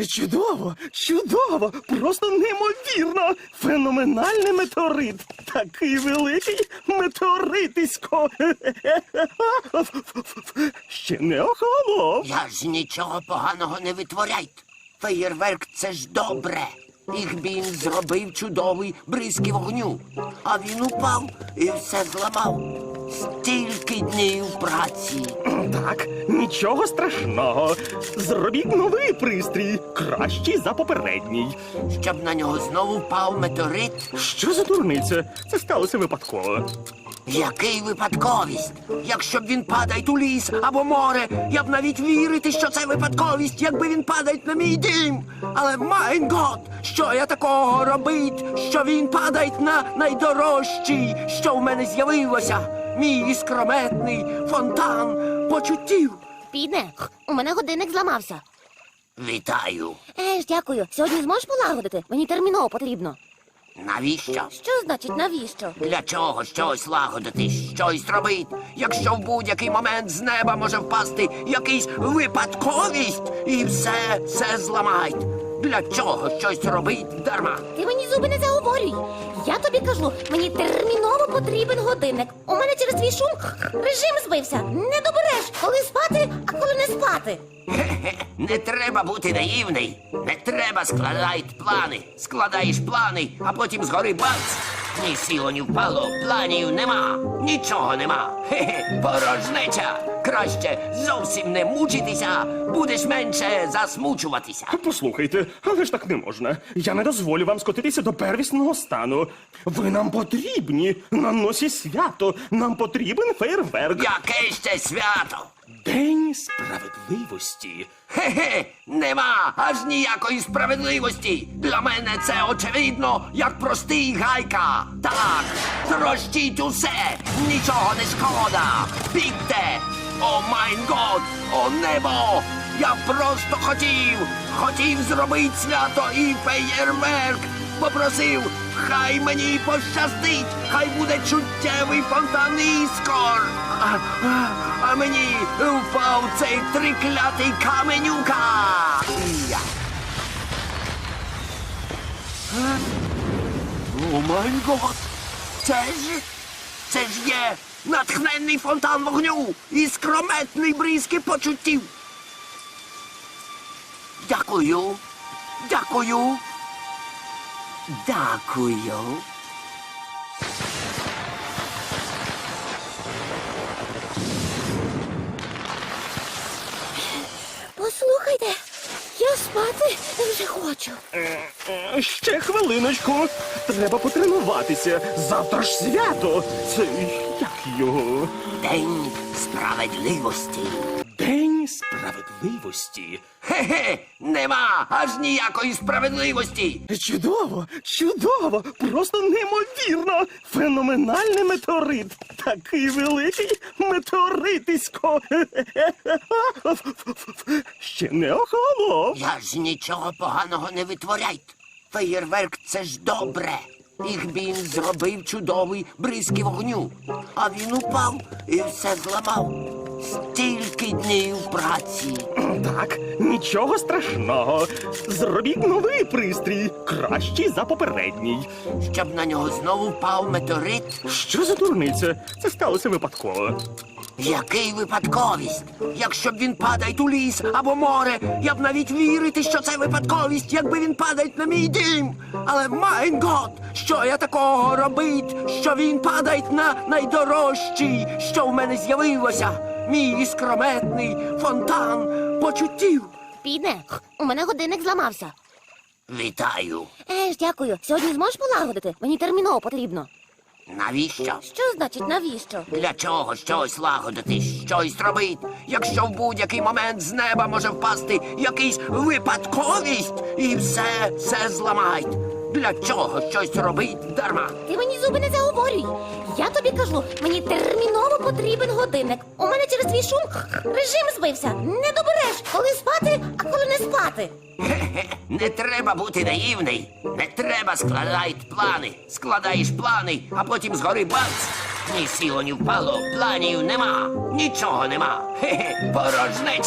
Чудово, чудово, просто неймовірно. Феноменальний метеорит. Такий великий метеоритисько. Ще не охолонув. Я ж нічого поганого не витворяйте. Феєрверк – це ж добре. Їх він зробив чудовий бризки вогню. А він упав і все зламав. Стільки днів праці. Так, нічого страшного. Зробіть новий пристрій, кращий за попередній. Щоб на нього знову впав метеорит. Що за дурниця? Це сталося випадково. Який випадковість? Якщо б він падає у ліс або море, я б навіть вірити, що це випадковість, якби він падає на мій дім. Але, майн гот, що я такого робить, що він падає на найдорожчий, що в мене з'явилося? Мій іскрометний фонтан почуттів. Підне, у мене годинник зламався. Вітаю. Дякую. Сьогодні зможеш полагодити? Мені терміново потрібно. Навіщо? Що значить навіщо? Для чого щось лагодити, щось робити, якщо в будь-який момент з неба може впасти якийсь випадковість і все зламають? Для чого щось робить дарма? Ти мені зуби не заговорюй. Я тобі кажу, мені терміново потрібен годинник. У мене через твій шум режим збився. Не добереш, коли спати, а коли не спати. Не треба бути наївний. Не треба складати плани. Складаєш плани, а потім згори бац. Ні сіло, ні впало, планів нема. Нічого нема. Порожнеча. Краще зовсім не мучитися, будеш менше засмучуватися. Послухайте, але ж так не можна. Я не дозволю вам скотитися до первісного стану. Ви нам потрібні. На носі свято. Нам потрібен фейерверк. Яке ще свято? День справедливості. Нема аж ніякої справедливості. Для мене це очевидно, як простий гайка. Так, трощіть усе, нічого не шкода. Бігте! О майн год, о небо! Я просто хотів зробити свято і феєрверк. Попросив, хай мені пощастить, хай буде чуттєвий фонтан іскор. А мені впав цей триклятий каменюка. О май гот! Це ж є натхненний фонтан вогню і скрометний бризки почуттів. Дякую. Дякую. Дякую. Послухайте, я спати вже хочу. Ще хвилиночку. Треба потренуватися. Завтра ж свято. Це як його? День справедливості. День справедливості. Нема аж ніякої справедливості. Чудово, чудово, просто неймовірно. Феноменальний метеорит. Такий великий метеоритисько. Ще не охолонув. Я ж нічого поганого не витворяйте. Феєрверк – це ж добре. Їх він зробив чудовий бризки вогню. А він упав і все зламав. Стільки днів праці. Так, нічого страшного. Зробіть новий пристрій, кращий за попередній. Щоб на нього знову впав метеорит. Що за дурниця? Це сталося випадково. Який випадковість? Якщо б він падає у ліс або море, я б навіть вірити, що це випадковість, якби він падає на мій дім. Але, майн гот, що я такого робить, що він падає на найдорожчий, що в мене з'явилося? Мій іскрометний фонтан почуттів. Підне, у мене годинник зламався. Вітаю. Дякую. Сьогодні зможеш полагодити? Мені терміново потрібно. Навіщо? Що значить навіщо? Для чого щось лагодити, щось робити, якщо в будь-який момент з неба може впасти якийсь випадковість і все зламають? Для чого щось робить дарма? Ти мені зуби не заговорюй. Я тобі кажу, мені терміново потрібен годинник. У мене через твій шум режим збився. Не добереш, коли спати, а коли не спати. Не треба бути наївний. Не треба складати плани. Складаєш плани, а потім згори бац. Ні сіло, ні впало, планів нема. Нічого нема. Порожнеча.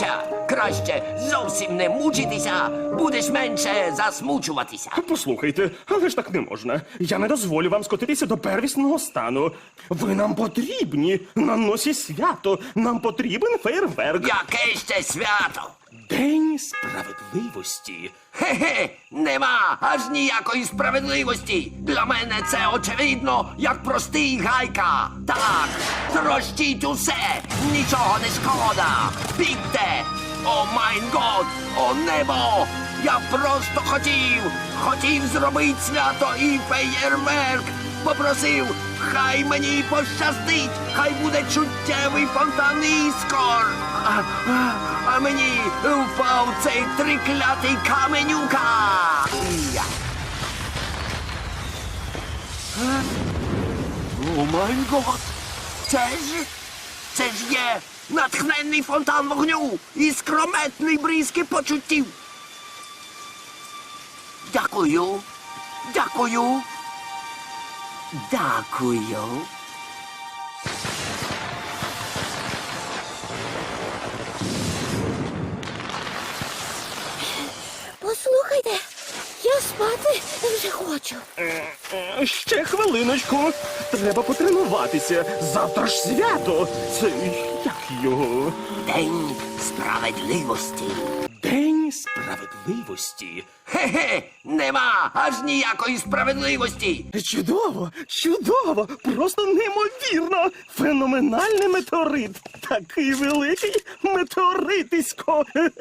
Краще зовсім не мучитися, будеш менше засмучуватися. Послухайте, але ж так не можна. Я не дозволю вам скотитися до первісного стану. Ви нам потрібні на носі свято. Нам потрібен фейерверк. Яке ще свято? День справедливості. Хе-хе, нема аж ніякої справедливості. Для мене це очевидно, як простий гайка. Так, трощіть усе, нічого не шкода. Бігте! О майн год, о небо! Я просто хотів зробити свято і феєрверк. Попросив, хай мені пощастить, хай буде чуттєвий фонтан іскор. А мені впав цей триклятий каменюка. Я. О май гот! Це ж є натхненний фонтан вогню і скрометний бризки почуттів. Дякую. Дякую. Дякую. Послухайте, я спати вже хочу. Ще хвилиночку. Треба потренуватися. Завтра ж свято. Це як його? День справедливості. День справедливості. Хе-хе, нема аж ніякої справедливості. Чудово, чудово, просто неймовірно. Феноменальний метеорит. Такий великий метеоритисько.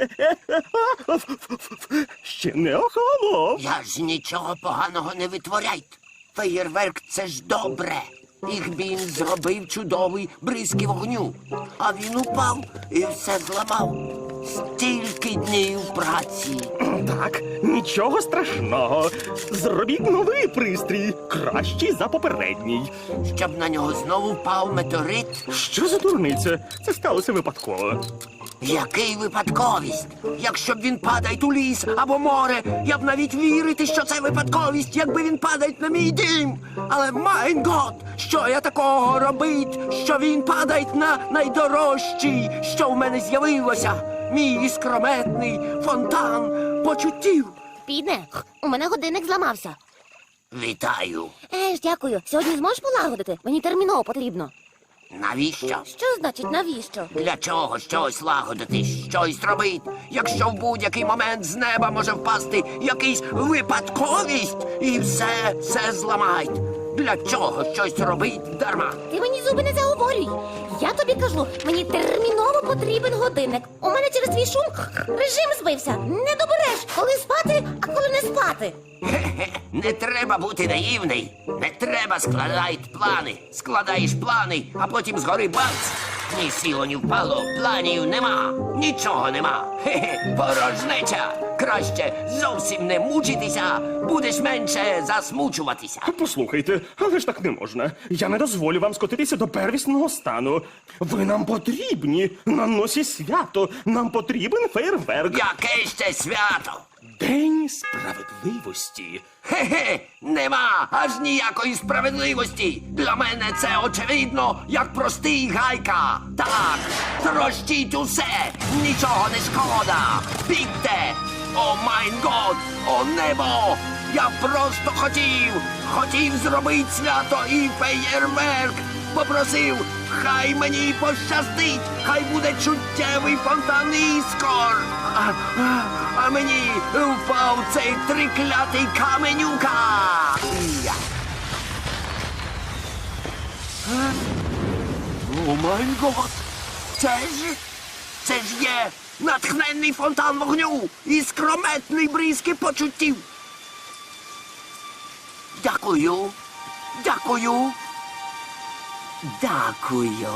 Ще не охолонув. Я ж нічого поганого не витворяйте. Феєрверк — це ж добре. Їх він зробив чудовий бризки вогню. А він упав і все зламав. Стільки днів праці. Так, нічого страшного. Зробіть новий пристрій, кращий за попередній. Щоб на нього знову впав метеорит. Що за дурниця? Це сталося випадково. Який випадковість? Якщо б він падає у ліс або море, я б навіть вірити, що це випадковість, якби він падає на мій дім. Але майн гот, що я такого робить, що він падає на найдорожчий, що в мене з'явилося. Мій іскрометний фонтан почуттів. Підне, у мене годинник зламався. Вітаю. Дякую. Сьогодні зможеш полагодити? Мені терміново потрібно. Навіщо? Що значить навіщо? Для чого щось лагодити, щось робити, якщо в будь-який момент з неба може впасти якийсь випадковість і все зламають? Для чого щось робить дарма? Ти мені зуби не заговорюй. Я тобі кажу, мені терміново потрібен годинник. У мене через твій шум режим збився. Не добереш, коли спати, а коли не спати. Хе-хе, не треба бути наївний. Не треба складати плани. Складаєш плани, а потім згори бац. Ні сіло, ні впало, планів нема, нічого нема. Хе-хе, порожнеча. Краще зовсім не мучитися, будеш менше засмучуватися. Послухайте, але ж так не можна. Я не дозволю вам скотитися до первісного стану. Ви нам потрібні на носі свято. Нам потрібен фейерверк. Яке ще свято? День справедливості. Хе-хе, нема аж ніякої справедливості. Для мене це очевидно, як простий гайка. Так, трощіть усе, нічого не шкода. Бігте! О майн год, о небо! Я просто хотів зробити свято і феєрверк. Попросив, хай мені пощастить, хай буде чуттєвий фонтан іскор. А мені впав цей триклятий каменюка. Я. О май гот! Це ж є натхненний фонтан вогню і скрометний бризки почуттів. Дякую. Дякую. Дякую.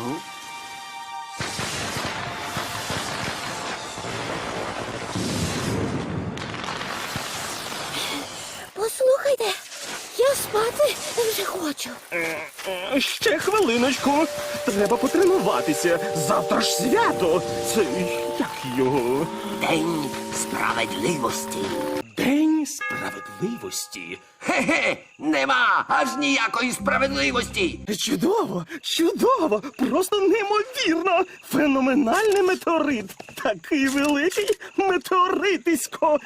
Послухайте, я спати вже хочу. Ще хвилиночку. Треба потренуватися. Завтра ж свято. Це як його? День справедливості. День День Справедливості? Хе-хе, нема аж ніякої справедливості. Чудово, чудово, просто неймовірно. Феноменальний метеорит. Такий великий метеоритисько.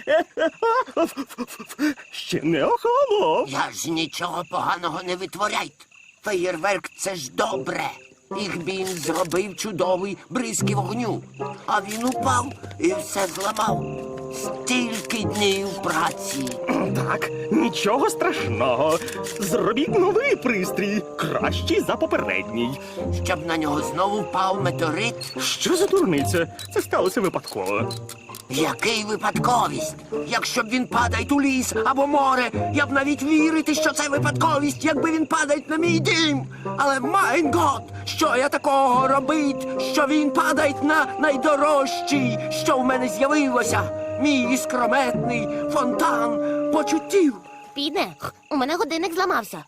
Ще не охолонув. Я ж нічого поганого не витворяйте. Феєрверк — це ж добре. Ігбін зробив чудовий бризки вогню, а він упав і все зламав. Стільки днів праці. Так, нічого страшного. Зробіть новий пристрій, кращий за попередній. Щоб на нього знову впав метеорит. Що за дурниця? Це сталося випадково. Який випадковість? Якщо б він падає у ліс або море, я б навіть вірити, що це випадковість, якби він падає на мій дім. Але майн гот, що я такого робить, що він падає на найдорожчий, що в мене з'явилося. Мій іскрометний фонтан почуттів. Піде, у мене годинник зламався.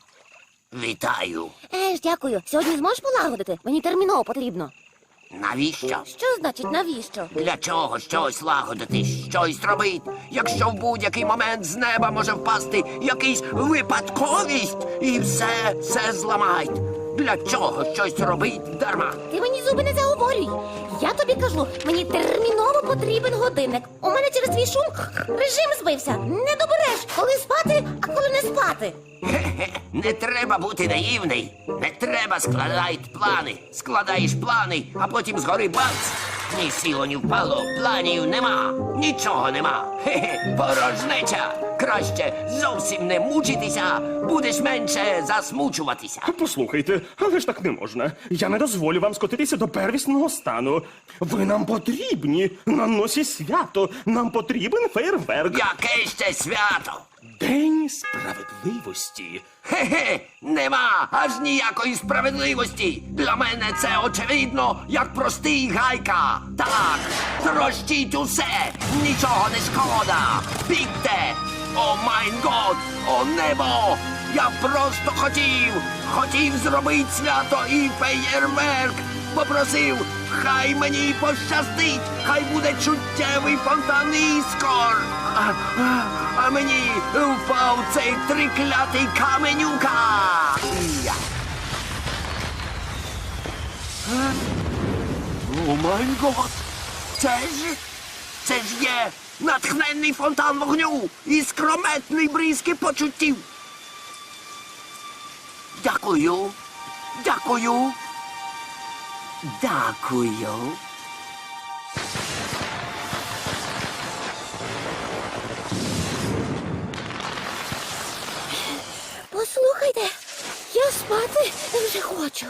Вітаю. Дякую. Сьогодні зможеш полагодити? Мені терміново потрібно. Навіщо? Що значить навіщо? Для чого щось лагодити, щось робити, якщо в будь-який момент з неба може впасти якийсь випадковість і все зламають? Для чого щось робить дарма? Ти мені зуби не заговорюй. Я тобі кажу, мені терміново потрібен годинник. У мене через твій шум режим збився. Не добереш, коли спати, а коли не спати. Хе-хе, не треба бути наївний. Не треба складати плани. Складаєш плани, а потім згори бац. Ні сіло, ні впало, планів нема. Нічого нема. Хе-хе, порожнеча. Краще зовсім не мучитися, будеш менше засмучуватися. Послухайте, але ж так не можна. Я не дозволю вам скотитися до первісного стану. Ви нам потрібні на носі свято. Нам потрібен фейерверк. Яке ще свято? День Справедливості? Хе-хе, нема аж ніякої справедливості. Для мене це очевидно, як простий гайка. Так, трощіть усе, нічого не шкода. Бігте! О майн год, о небо! Я просто хотів зробити свято і феєрверк. Попросив, хай мені пощастить, хай буде чуттєвий фонтан іскор. А мені впав цей триклятий каменюка. Я. О май гот! Це ж є натхненний фонтан вогню і скрометний бризки почуттів. Дякую. Дякую. Дякую. Послухайте, я спати вже хочу.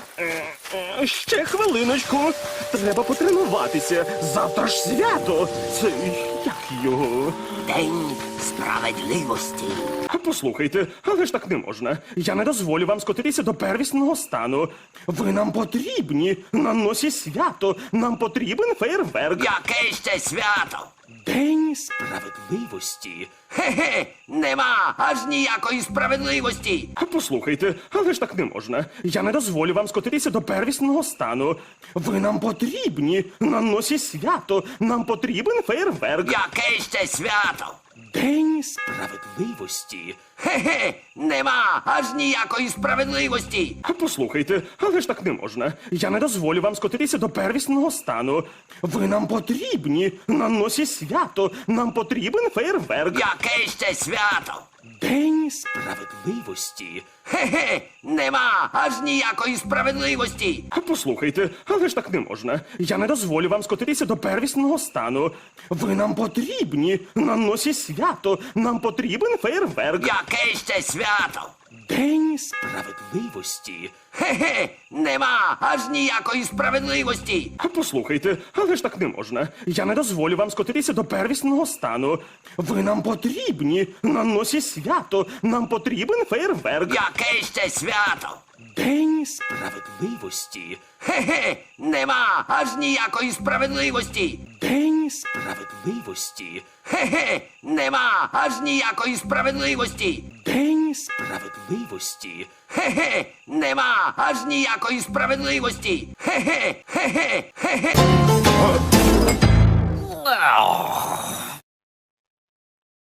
Ще хвилиночку. Треба потренуватися. Завтра ж свято. Це як його? День справедливості. Послухайте, але ж так не можна. Я не дозволю вам скотитися до первісного стану. Ви нам потрібні на носі свято. Нам потрібен фейерверк. Яке ще свято? День Справедливості? Хе-хе, нема аж ніякої справедливості. Послухайте, але ж так не можна. Я не дозволю вам скотитися до первісного стану. Ви нам потрібні на носі свято. Нам потрібен фейерверк. Яке ще свято? День Справедливості? Хе-хе, нема аж ніякої справедливості. Послухайте, але ж так не можна. Я не дозволю вам скотитися до первісного стану. Ви нам потрібні на носі свято. Нам потрібен фейерверк. Яке ще свято? День Справедливості? Хе-хе, нема аж ніякої справедливості. Послухайте, але ж так не можна. Я не дозволю вам скотитися до первісного стану. Ви нам потрібні на носі свято. Нам потрібен фейерверк. Яке ще свято? День Справедливості? Хе-хе, нема аж ніякої справедливості. Послухайте, але ж так не можна. Я не дозволю вам скотитися до первісного стану. Ви нам потрібні на носі свято. Нам потрібен фейерверк. Яке ще свято? День Справедливості? Хе-хе, нема аж ніякої справедливості. День Справедливості? Хе-хе, нема аж ніякої справедливості. День Справедливості? Хе-хе, нема аж ніякої справедливості. Хе-хе, хе-хе, хе-хе.